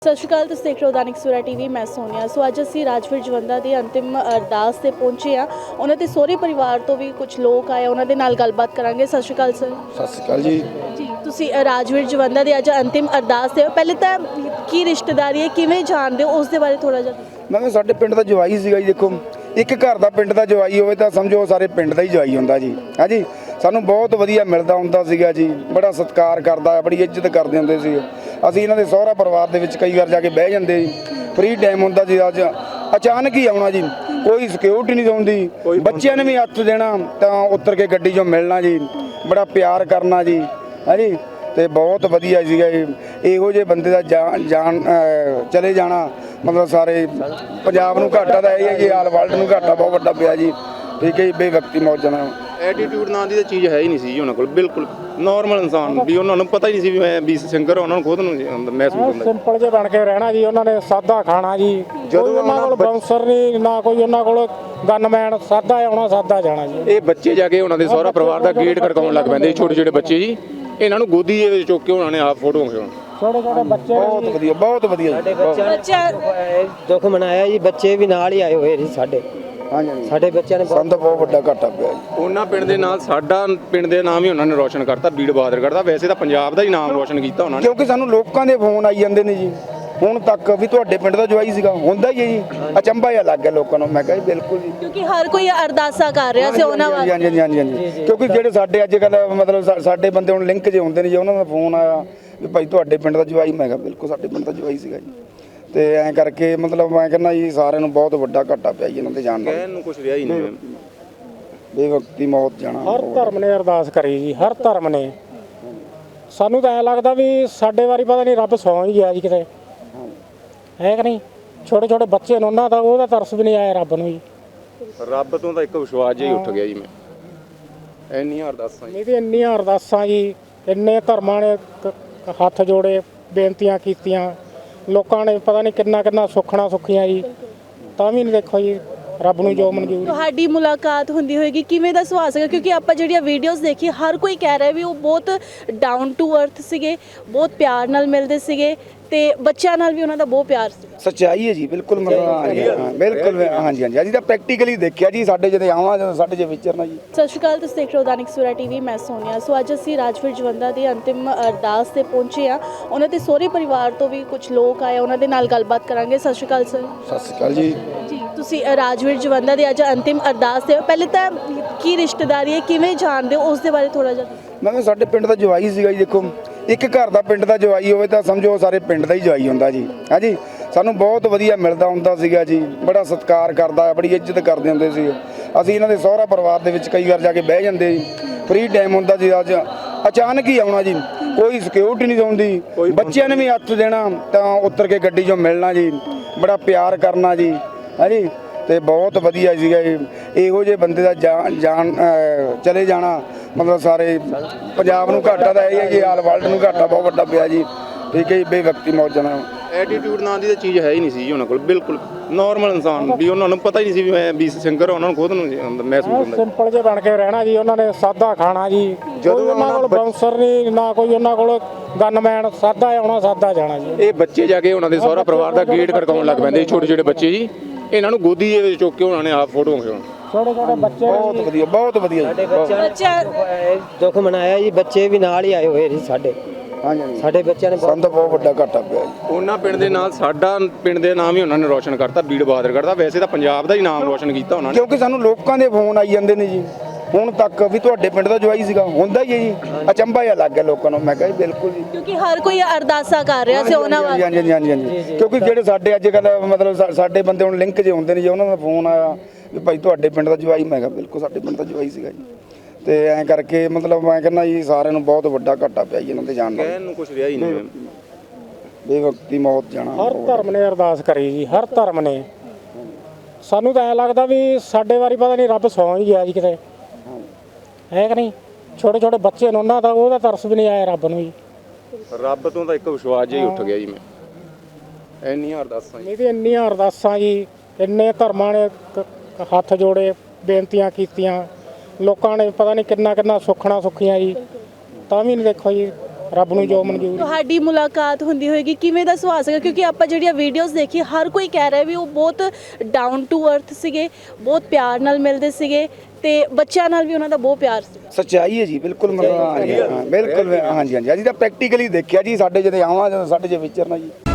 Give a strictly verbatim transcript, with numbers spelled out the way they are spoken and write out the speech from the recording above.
ਸਤਿ ਸ਼੍ਰੀ ਅਕਾਲ। ਤੁਸੀਂ ਦੇਖ ਰਹੇ ਹੋ दैनिक सवेरा टीवी। मैं सोनिया। सो ਅੱਜ ਅਸੀਂ ਰਾਜਵੀਰ ਜਵੰਦਾ ਦੇ ਅੰਤਿਮ ਅਰਦਾਸ ਤੇ ਪਹੁੰਚੇ ਆ। ਉਹਨਾਂ ਦੇ ਸਹੁਰੇ ਪਰਿਵਾਰ ਤੋਂ ਵੀ ਕੁਝ ਲੋਕ ਆਏ, ਉਹਨਾਂ ਦੇ ਨਾਲ ਗੱਲਬਾਤ ਕਰਾਂਗੇ। ਸਤਿ ਸ਼੍ਰੀ ਅਕਾਲ ਸਰ। ਸਤਿ ਸ਼੍ਰੀ ਅਕਾਲ ਜੀ। ਜੀ ਤੁਸੀਂ ਰਾਜਵੀਰ ਜਵੰਦਾ ਦੇ ਅੱਜ ਅੰਤਿਮ ਅਰਦਾਸ ਤੇ ਹੋ। ਪਹਿਲੇ ਤਾਂ ਕੀ ਰਿਸ਼ਤੇਦਾਰੀ ਹੈ, ਕਿਵੇਂ ਜਾਣਦੇ ਹੋ, ਉਸ ਦੇ ਬਾਰੇ ਥੋੜਾ ਜਿਹਾ। ਮੈਂ ਕਿਹਾ ਸਾਡੇ ਪਿੰਡ ਦਾ ਜਵਾਈ ਸੀਗਾ ਜੀ। ਦੇਖੋ, ਇੱਕ ਘਰ ਦਾ ਪਿੰਡ ਦਾ ਜਵਾਈ ਹੋਵੇ ਤਾਂ ਸਮਝੋ ਸਾਰੇ ਪਿੰਡ ਦਾ ਹੀ ਜਵਾਈ ਹੁੰਦਾ ਜੀ। ਹੈ ਜੀ, ਸਾਨੂੰ ਬਹੁਤ ਵਧੀਆ ਮਿਲਦਾ ਹੁੰਦਾ ਸੀਗਾ ਜੀ, ਬੜਾ ਸਤਿਕਾਰ ਕਰਦਾ, ਬੜੀ ਇੱਜ਼ਤ ਕਰਦੇ ਹੁੰਦੇ ਸੀ। ਅਸੀਂ ਇਹਨਾਂ ਦੇ ਸਹੁਰਾ ਪਰਿਵਾਰ ਦੇ ਵਿੱਚ ਕਈ ਵਾਰ ਜਾ ਕੇ ਬਹਿ ਜਾਂਦੇ ਜੀ, ਫ੍ਰੀ ਟਾਈਮ ਹੁੰਦਾ ਸੀ। ਅੱਜ ਅਚਾਨਕ ਹੀ ਆਉਣਾ ਜੀ, ਕੋਈ ਸਿਕਿਉਰਿਟੀ ਨਹੀਂ ਹੁੰਦੀ, ਬੱਚਿਆਂ ਨੇ ਵੀ ਹੱਥ ਦੇਣਾ ਤਾਂ ਉਤਰ ਕੇ ਗੱਡੀ 'ਚੋਂ ਮਿਲਣਾ ਜੀ, ਬੜਾ ਪਿਆਰ ਕਰਨਾ ਜੀ। ਹੈ ਜੀ, ਤੇ ਬਹੁਤ ਵਧੀਆ ਸੀਗਾ ਜੀ। ਇਹੋ ਜਿਹੇ ਬੰਦੇ ਦਾ ਜਾਨ ਜਾਨ ਚਲੇ ਜਾਣਾ ਮਤਲਬ ਸਾਰੇ ਪੰਜਾਬ ਨੂੰ ਘਾਟਾ ਤਾਂ ਇਹ ਹੈ ਜੀ, ਆਲ ਵਰਲਡ ਨੂੰ ਘਾਟਾ ਬਹੁਤ ਵੱਡਾ ਪਿਆ ਜੀ। ਠੀਕ ਹੈ ਜੀ, ਬੇਵਕਤੀ ਮੌਜਾਂ ਨਾਲ ਐਟੀਟਿਊਡ ਨਾਂ ਦੀ ਤਾਂ ਚੀਜ਼ ਹੈ ਹੀ ਨਹੀਂ ਸੀ ਉਹਨਾਂ ਕੋਲ, ਬਿਲਕੁਲ ਨਾਰਮਲ ਇਨਸਾਨ ਵੀ। ਉਹਨਾਂ ਨੂੰ ਪਤਾ ਹੀ ਨਹੀਂ ਸੀ ਵੀ ਮੈਂ ਵੀ ਸਿੰਗਰ, ਉਹਨਾਂ ਨੂੰ ਖੁਦ ਨੂੰ ਮਹਿਸੂਸ ਹੁੰਦਾ। ਸਿੰਪਲ ਜਿਹਾ ਬਣ ਕੇ ਰਹਿਣਾ ਜੀ, ਉਹਨਾਂ ਨੇ ਸਾਦਾ ਖਾਣਾ ਜੀ। ਜਦੋਂ ਉਹਨਾਂ ਕੋਲ ਬਾਉਂਸਰ ਨਹੀਂ, ਨਾ ਕੋਈ ਉਹਨਾਂ ਕੋਲ ਗਨਮੈਨ, ਸਾਦਾ ਆਉਣਾ ਸਾਦਾ ਜਾਣਾ ਜੀ। ਇਹ ਬੱਚੇ ਜਾ ਕੇ ਉਹਨਾਂ ਦੇ ਸਹੁਰਾ ਪਰਿਵਾਰ ਦਾ ਗੇਟ ਖੜਕਾਉਣ ਲੱਗ ਪੈਂਦੇ, ਛੋਟੇ ਛੋਟੇ ਬੱਚੇ ਜੀ। ਇਹਨਾਂ ਨੂੰ ਗੋਦੀ ਦੇ ਵਿੱਚ ਚੁੱਕ ਕੇ ਉਹਨਾਂ ਨੇ ਆਪ ਫੋਟੋ ਖਿਚਾਉਣ। ਛੋਟੇ ਛੋਟੇ ਬੱਚੇ ਬਹੁਤ ਵਧੀਆ, ਬਹੁਤ ਵਧੀਆ। ਸਾਡੇ ਬੱਚਿਆਂ ਨੇ ਦੁੱਖ ਮਨਾਇਆ ਜੀ, ਬੱਚੇ ਵੀ ਨਾਲ ਹੀ ਆਏ ਹੋਏ ਸੀ ਸਾਡੇ। ਹਾਂਜੀ, ਸਾਡੇ ਬੱਚਿਆਂ ਨੇ ਸਾਨੂੰ ਤਾਂ ਬਹੁਤ ਵੱਡਾ ਘਾਟਾ ਪਿਆ ਜੀ। ਉਹਨਾਂ ਪਿੰਡ ਦੇ ਨਾਲ ਸਾਡਾ ਪਿੰਡ ਦੇ ਨਾਮ ਹੀ ਉਹਨਾਂ ਨੇ ਰੋਸ਼ਨ ਕਰਤਾ, ਬੀੜ ਬਹਾਦਰ ਕਰਤਾ। ਵੈਸੇ ਤਾਂ ਪੰਜਾਬ ਦਾ ਹੀ ਨਾਮ ਰੋਸ਼ਨ ਕੀਤਾ ਉਹਨਾਂ ਨੇ। ਕਿਉਂਕਿ ਸਾਨੂੰ ਲੋਕਾਂ ਦੇ ਫੋਨ ਆਈ ਜਾਂਦੇ ਨੇ ਜੀ ਹੁਣ ਤੱਕ ਵੀ ਤੁਹਾਡੇ ਪਿੰਡ ਦਾ ਜਵਾਈ ਸੀਗਾ, ਹੁੰਦਾ ਹੀ ਹੈ ਜੀ। ਅਚੰਭਾ ਜਿਹਾ ਲੱਗ ਗਿਆ ਲੋਕਾਂ ਨੂੰ। ਮੈਂ ਕਿਹਾ ਜੀ ਬਿਲਕੁਲ ਜੀ, ਕਿਉਂਕਿ ਹਰ ਕੋਈ ਅਰਦਾਸਾਂ ਕਰ ਰਿਹਾ ਸੀ ਉਹਨਾਂ ਵਾਸਤੇ। ਹਾਂਜੀ ਹਾਂਜੀ ਹਾਂਜੀ। ਕਿਉਂਕਿ ਜਿਹੜੇ ਸਾਡੇ ਅੱਜ ਕੱਲ੍ਹ ਮਤਲਬ ਸਾ- ਸਾਡੇ ਬੰਦੇ ਹੁਣ ਲਿੰਕ ਜੇ ਹੁੰਦੇ ਨੇ ਜੀ, ਉਹਨਾਂ ਦਾ ਫੋਨ ਆਇਆ ਵੀ ਭਾਈ ਤੁਹਾਡੇ ਪਿੰਡ ਦਾ ਜਵਾਈ। ਮੈਂ ਕਿਹਾ ਬਿਲਕੁਲ ਸਾਡੇ ਪਿੰਡ ਦਾ ਜਵਾਈ ਸੀਗਾ ਜੀ। ਤੇ ਐਂ ਕਰਕੇ ਮਤਲਬ ਮੈਂ ਕਹਿੰਦਾ ਜੀ ਸਾਰਿਆਂ ਨੂੰ ਬਹੁਤ ਵੱਡਾ ਘਾਟਾ ਪਿਆ ਜੀ ਇਹਨਾਂ ਤੇ ਜਾਣ ਦਾ। ਕਹਿਣ ਨੂੰ ਕੁਝ ਰਿਹਾ ਹੀ ਨਹੀਂ। ਬੇਵਕਤੀ ਮੌਤ ਜਾਣਾ। ਹਰ ਧਰਮ ਨੇ ਅਰਦਾਸ ਕਰੀ ਜੀ, ਹਰ ਧਰਮ ਨੇ। ਸਾਨੂੰ ਤਾਂ ਐਂ ਲੱਗਦਾ ਵੀ ਸਾਡੇ ਵਾਰੀ ਪਤਾ ਨਹੀਂ ਰੱਬ ਸੌਂ ਹੀ ਗਿਆ ਜੀ ਕਿਤੇ, ਹੈ ਕਿ ਨਹੀਂ। ਛੋਟੇ ਛੋਟੇ ਬੱਚੇ ਨੇ, ਉਹਨਾਂ ਦਾ ਉਹਦਾ ਤਰਸ ਵੀ ਨਹੀਂ ਆਇਆ ਰੱਬ ਨੂੰ ਜੀ। ਰੱਬ ਤੋਂ ਤਾਂ ਇੱਕ ਵਿਸ਼ਵਾਸ ਜਿਹਾ ਹੀ ਉੱਠ ਗਿਆ ਜੀ। ਮੈਂ ਇੰਨੀਆਂ ਅਰਦਾਸਾਂ ਜੀ, ਨਹੀਂ ਤੇ ਇੰਨੀਆਂ ਅਰਦਾਸਾਂ ਜੀ, ਇੰਨੇ ਧਰਮਾਂ ਨੇ ਕ- ਹੱਥ ਜੋੜੇ, ਬੇਨਤੀਆਂ ਕੀਤੀਆਂ, ਲੋਕਾਂ ਨੇ ਪਤਾ ਨਹੀਂ ਕਿੰਨਾ ਕਿੰਨਾ ਸੁੱਖਣਾ ਸੁੱਖੀਆਂ ਜੀ, ਤਾਂ ਵੀ ਨਹੀਂ ਦੇਖੋ ਜੀ ਰੱਬ ਨੂੰ ਜੋ ਮਨਜ਼ੂਰ। ਤੁਹਾਡੀ ਮੁਲਾਕਾਤ ਹੁੰਦੀ ਹੋਏਗੀ, ਕਿਵੇਂ ਦਾ ਸੁਭਾਅ ਸੀਗਾ? ਕਿਉਂਕਿ ਆਪਾਂ ਜਿਹੜੀਆਂ ਵੀਡੀਓਜ਼ ਦੇਖੀ, ਹਰ ਕੋਈ ਕਹਿ ਰਿਹਾ ਵੀ ਉਹ ਬਹੁਤ ਡਾਊਨ ਟੂ ਅਰਥ ਸੀਗੇ, ਬਹੁਤ ਪਿਆਰ ਨਾਲ ਮਿਲਦੇ ਸੀਗੇ, ਤੇ ਬੱਚਿਆਂ ਨਾਲ ਵੀ ਉਹਨਾਂ ਦਾ ਬਹੁਤ ਪਿਆਰ ਸੀ। ਸੱਚਾਈ ਹੈ ਜੀ, ਬਿਲਕੁਲ ਮਤਲਬ ਹਾਂਜੀ ਹਾਂ ਬਿਲਕੁਲ ਹਾਂਜੀ ਹਾਂਜੀ। ਅਸੀਂ ਤਾਂ ਪ੍ਰੈਕਟੀਕਲੀ ਦੇਖਿਆ ਜੀ, ਸਾਡੇ ਜਦੋਂ ਆਉਣਾ ਜਦੋਂ ਸਾਡੇ ਜੇ ਵਿਚਰਨਾ ਜੀ। ਸਤਿ ਸ਼੍ਰੀ ਅਕਾਲ। ਤੁਸੀਂ ਦੇਖ ਰਹੇ ਹੋ दैनिक सवेरा टीवी। मैं सोनिया। ਸੋ ਅੱਜ ਅਸੀਂ ਰਾਜਵੀਰ ਜਵੰਦਾ ਦੇ ਅੰਤਿਮ ਅਰਦਾਸ ਤੇ ਪਹੁੰਚੇ ਆ। ਉਹਨਾਂ ਦੇ ਸਹੁਰੇ ਪਰਿਵਾਰ ਤੋਂ ਵੀ ਕੁਝ ਲੋਕ ਆਏ, ਉਹਨਾਂ ਦੇ ਨਾਲ ਗੱਲਬਾਤ ਕਰਾਂਗੇ। ਸਤਿ ਸ਼੍ਰੀ ਅਕਾਲ ਸਰ। ਸਤਿ ਸ਼੍ਰੀ ਅਕਾਲ ਜੀ। ਜੀ ਤੁਸੀਂ ਰਾਜਵੀਰ ਜਵੰਦਾ ਦੇ ਅੱਜ ਅੰਤਿਮ ਅਰਦਾਸ ਤੇ ਹੋ। ਪਹਿਲੇ ਤਾਂ ਕੀ ਰਿਸ਼ਤੇਦਾਰੀ ਹੈ, ਕਿਵੇਂ ਜਾਣਦੇ ਹੋ, ਉਸ ਦੇ ਬਾਰੇ ਥੋੜਾ ਜਿਹਾ। ਮੈਂ ਕਿਹਾ ਸਾਡੇ ਪਿੰਡ ਦਾ ਜਵਾਈ ਸੀਗਾ ਜੀ। ਦੇਖੋ, ਇੱਕ ਘਰ ਦਾ ਪਿੰਡ ਦਾ ਜਵਾਈ ਹੋਵੇ ਤਾਂ ਸਮਝੋ ਸਾਰੇ ਪਿੰਡ ਦਾ ਹੀ ਜਵਾਈ ਹੁੰਦਾ ਜੀ। ਹੈ ਜੀ, ਸਾਨੂੰ ਬਹੁਤ ਵਧੀਆ ਮਿਲਦਾ ਹੁੰਦਾ ਸੀਗਾ ਜੀ, ਬੜਾ ਸਤਿਕਾਰ ਕਰਦਾ, ਬੜੀ ਇੱਜ਼ਤ ਕਰਦੇ ਹੁੰਦੇ ਸੀ। ਅਸੀਂ ਇਹਨਾਂ ਦੇ ਸਹੁਰਾ ਪਰਿਵਾਰ ਦੇ ਵਿੱਚ ਕਈ ਵਾਰ ਜਾ ਕੇ ਬਹਿ ਜਾਂਦੇ ਜੀ, ਫ੍ਰੀ ਟਾਈਮ ਹੁੰਦਾ ਸੀ। ਅੱਜ ਅਚਾਨਕ ਹੀ ਆਉਣਾ ਜੀ, ਕੋਈ ਸਿਕਿਉਰਿਟੀ ਨਹੀਂ ਹੁੰਦੀ, ਬੱਚਿਆਂ ਨੇ ਵੀ ਹੱਥ ਦੇਣਾ ਤਾਂ ਉਤਰ ਕੇ ਗੱਡੀ 'ਚੋਂ ਮਿਲਣਾ ਜੀ, ਬੜਾ ਪਿਆਰ ਕਰਨਾ ਜੀ। ਹੈ ਜੀ, ਤੇ ਬਹੁਤ ਵਧੀਆ ਸੀਗਾ ਜੀ। ਇਹੋ ਜਿਹੇ ਬੰਦੇ ਦਾ ਜਾਨ ਜਾਨ ਚਲੇ ਜਾਣਾ ਮਤਲਬ ਸਾਰੇ ਪੰਜਾਬ ਨੂੰ ਘਾਟਾ ਤਾਂ ਇਹ ਹੈ ਜੀ, ਆਲ ਵਰਲਡ ਨੂੰ ਘਾਟਾ ਬਹੁਤ ਵੱਡਾ ਪਿਆ ਜੀ। ਠੀਕ ਹੈ ਜੀ, ਬੇਵਕਤੀ ਮੌਜਾਂ ਨਾਲ। ਐਟੀਟਿਊਡ ਨਾਂ ਦੀ ਤਾਂ ਚੀਜ਼ ਹੈ ਹੀ ਨਹੀਂ ਸੀ ਉਹਨਾਂ ਕੋਲ, ਬਿਲਕੁਲ ਨਾਰਮਲ ਇਨਸਾਨ ਵੀ। ਉਹਨਾਂ ਨੂੰ ਪਤਾ ਹੀ ਨਹੀਂ ਸੀ ਵੀ ਮੈਂ ਵੀ ਸਿੰਗਰ, ਉਹਨਾਂ ਨੂੰ ਖੁਦ ਨੂੰ ਮਹਿਸੂਸ ਹੁੰਦਾ। ਸਿੰਪਲ ਜਿਹਾ ਬਣ ਕੇ ਰਹਿਣਾ ਜੀ, ਉਹਨਾਂ ਨੇ ਸਾਦਾ ਖਾਣਾ ਜੀ। ਜਦੋਂ ਉਹਨਾਂ ਕੋਲ ਬਾਉਂਸਰ ਨਹੀਂ, ਨਾ ਕੋਈ ਉਹਨਾਂ ਕੋਲ ਗਨਮੈਨ, ਸਾਦਾ ਆਉਣਾ ਸਾਦਾ ਜਾਣਾ ਜੀ। ਇਹ ਬੱਚੇ ਜਾ ਕੇ ਉਹਨਾਂ ਦੇ ਸਹੁਰਾ ਪਰਿਵਾਰ ਦਾ ਗੇਟ ਖੜਕਾਉਣ ਲੱਗ ਪੈਂਦੇ, ਛੋਟੇ ਛੋਟੇ ਬੱਚੇ ਜੀ। ਇਹਨਾਂ ਨੂੰ ਗੋਦੀ ਦੇ ਵਿੱਚ ਚੁੱਕ ਕੇ ਉਹਨਾਂ ਨੇ ਆਪ ਫੋਟੋ ਖਿਚਾਉਣ। ਛੋਟੇ ਛੋਟੇ ਬੱਚੇ ਬਹੁਤ ਵਧੀਆ, ਬਹੁਤ ਵਧੀਆ। ਸਾਡੇ ਬੱਚਿਆਂ ਨੇ ਦੁੱਖ ਮਨਾਇਆ ਜੀ, ਬੱਚੇ ਵੀ ਨਾਲ ਹੀ ਆਏ ਹੋਏ ਸੀ ਸਾਡੇ। ਹਾਂਜੀ, ਸਾਡੇ ਬੱਚਿਆਂ ਨੇ ਸਾਨੂੰ ਤਾਂ ਬਹੁਤ ਵੱਡਾ ਘਾਟਾ ਪਿਆ ਜੀ। ਉਹਨਾਂ ਪਿੰਡ ਦੇ ਨਾਲ ਸਾਡਾ ਪਿੰਡ ਦੇ ਨਾਮ ਹੀ ਉਹਨਾਂ ਨੇ ਰੋਸ਼ਨ ਕਰਤਾ, ਬੀੜ ਬਹਾਦਰ ਕਰਤਾ। ਵੈਸੇ ਤਾਂ ਪੰਜਾਬ ਦਾ ਹੀ ਨਾਮ ਰੋਸ਼ਨ ਕੀਤਾ ਉਹਨਾਂ ਨੇ। ਕਿਉਂਕਿ ਸਾਨੂੰ ਲੋਕਾਂ ਦੇ ਫੋਨ ਆਈ ਜਾਂਦੇ ਨੇ ਜੀ ਹੁਣ ਤੱਕ ਵੀ ਤੁਹਾਡੇ ਪਿੰਡ ਦਾ ਜਵਾਈ ਸੀਗਾ, ਹੁੰਦਾ ਹੀ ਹੈ ਜੀ। ਅਚੰਭਾ ਜਿਹਾ ਲੱਗ ਗਿਆ ਲੋਕਾਂ ਨੂੰ। ਮੈਂ ਕਿਹਾ ਜੀ ਬਿਲਕੁਲ ਜੀ, ਕਿਉਂਕਿ ਹਰ ਕੋਈ ਅਰਦਾਸਾਂ ਕਰ ਰਿਹਾ ਸੀ ਉਹਨਾਂ ਵਾਸਤੇ। ਹਾਂਜੀ ਹਾਂਜੀ ਹਾਂਜੀ ਹਾਂਜੀ। ਕਿਉਂਕਿ ਜਿਹੜੇ ਸਾਡੇ ਅੱਜ ਕੱਲ੍ਹ ਮਤਲਬ ਸਾ- ਸਾਡੇ ਬੰਦੇ ਹੁਣ ਲਿੰਕ ਜੇ ਹੁੰਦੇ ਨੇ ਜੀ, ਉਹਨਾਂ ਦਾ ਫੋਨ ਆਇਆ ਵੀ ਭਾਈ ਤੁਹਾਡੇ ਪਿੰਡ ਦਾ ਜਵਾਈ। ਮੈਂ ਕਿਹਾ ਬਿਲਕੁਲ ਸਾਡੇ ਪਿੰਡ ਦਾ ਜਵਾਈ ਸੀਗਾ ਜੀ। ਤੇ ਐਂ ਕਰਕੇ ਮਤਲਬ ਮੈਂ ਕਹਿੰਦਾ ਜੀ ਸਾਰਿਆਂ ਨੂੰ ਬਹੁਤ ਵੱਡਾ ਘਾਟਾ ਪਿਆ ਜੀ ਇਹਨਾਂ ਤੇ ਜਾਣ ਦਾ। ਕਹਿਣ ਨੂੰ ਕੁਝ ਰਿਹਾ ਹੀ ਨਹੀਂ। ਬੇਵਕਤੀ ਮੌਤ ਜਾਣਾ। ਹਰ ਧਰਮ ਨੇ ਅਰਦਾਸ ਕਰੀ ਜੀ, ਹਰ ਧਰਮ ਨੇ। ਸਾਨੂੰ ਤਾਂ ਐਂ ਲੱਗਦਾ ਵੀ ਸਾਡੇ ਵਾਰੀ ਪਤਾ ਨਹੀਂ ਰੱਬ ਸੌਂ ਹੀ ਗਿਆ ਜੀ ਕਿਤੇ, ਹੈ ਕਿ ਨਹੀਂ। ਛੋਟੇ ਛੋਟੇ ਬੱਚੇ ਨੇ, ਉਹਨਾਂ ਦਾ ਉਹਦਾ ਤਰਸ ਵੀ ਨਹੀਂ ਆਇਆ ਰੱਬ ਨੂੰ ਜੀ। ਰੱਬ ਤੋਂ ਤਾਂ ਇੱਕ ਵਿਸ਼ਵਾਸ ਜਿਹਾ ਹੀ ਉੱਠ ਗਿਆ ਜੀ। ਮੈਂ ਇੰਨੀਆਂ ਅਰਦਾਸਾਂ ਜੀ, ਨਹੀਂ ਤੇ ਇੰਨੀਆਂ ਅਰਦਾਸਾਂ ਜੀ, ਇੰਨੇ ਧਰਮਾਂ ਨੇ ਕ- ਹੱਥ ਜੋੜੇ, ਬੇਨਤੀਆਂ ਕੀਤੀਆਂ, ਲੋਕਾਂ ਨੇ ਪਤਾ ਨਹੀਂ ਕਿੰਨਾ ਕਿੰਨਾ ਸੁੱਖਣਾ ਸੁੱਖੀਆਂ ਜੀ, ਤਾਂ ਵੀ ਨਹੀਂ ਦੇਖੋ ਜੀ ਰੱਬ ਨੂੰ ਜੋ ਮਨਜ਼ੂਰ। ਤੁਹਾਡੀ ਮੁਲਾਕਾਤ ਹੁੰਦੀ ਹੋਏਗੀ ਕਿਵੇਂ ਦਾ ਸੁਭਾਅ ਸੀਗਾ ਕਿਉਂਕਿ ਆਪਾਂ ਜਿਹੜੀਆਂ ਵੀਡੀਓਜ਼ ਦੇਖੀ ਹਰ ਕੋਈ ਕਹਿ ਰਿਹਾ ਵੀ ਉਹ ਬਹੁਤ ਡਾਊਨ ਟੂ ਅਰਥ ਸੀਗੇ, ਬਹੁਤ ਪਿਆਰ ਨਾਲ ਮਿਲਦੇ ਸੀਗੇ ਤੇ ਬੱਚਿਆਂ ਨਾਲ ਵੀ ਉਹਨਾਂ ਦਾ ਬਹੁਤ ਪਿਆਰ ਸੀ। ਸੱਚਾਈ ਹੈ ਜੀ, ਬਿਲਕੁਲ ਮਤਲਬ ਹਾਂਜੀ ਹਾਂ ਬਿਲਕੁਲ ਹਾਂਜੀ ਹਾਂਜੀ ਅਸੀਂ ਤਾਂ ਪ੍ਰੈਕਟੀਕਲੀ ਦੇਖਿਆ ਜੀ, ਸਾਡੇ ਜਦੋਂ ਆਵਾਂ ਜਦੋਂ ਸਾਡੇ ਜੇ ਵਿਚਰਨਾ ਜੀ।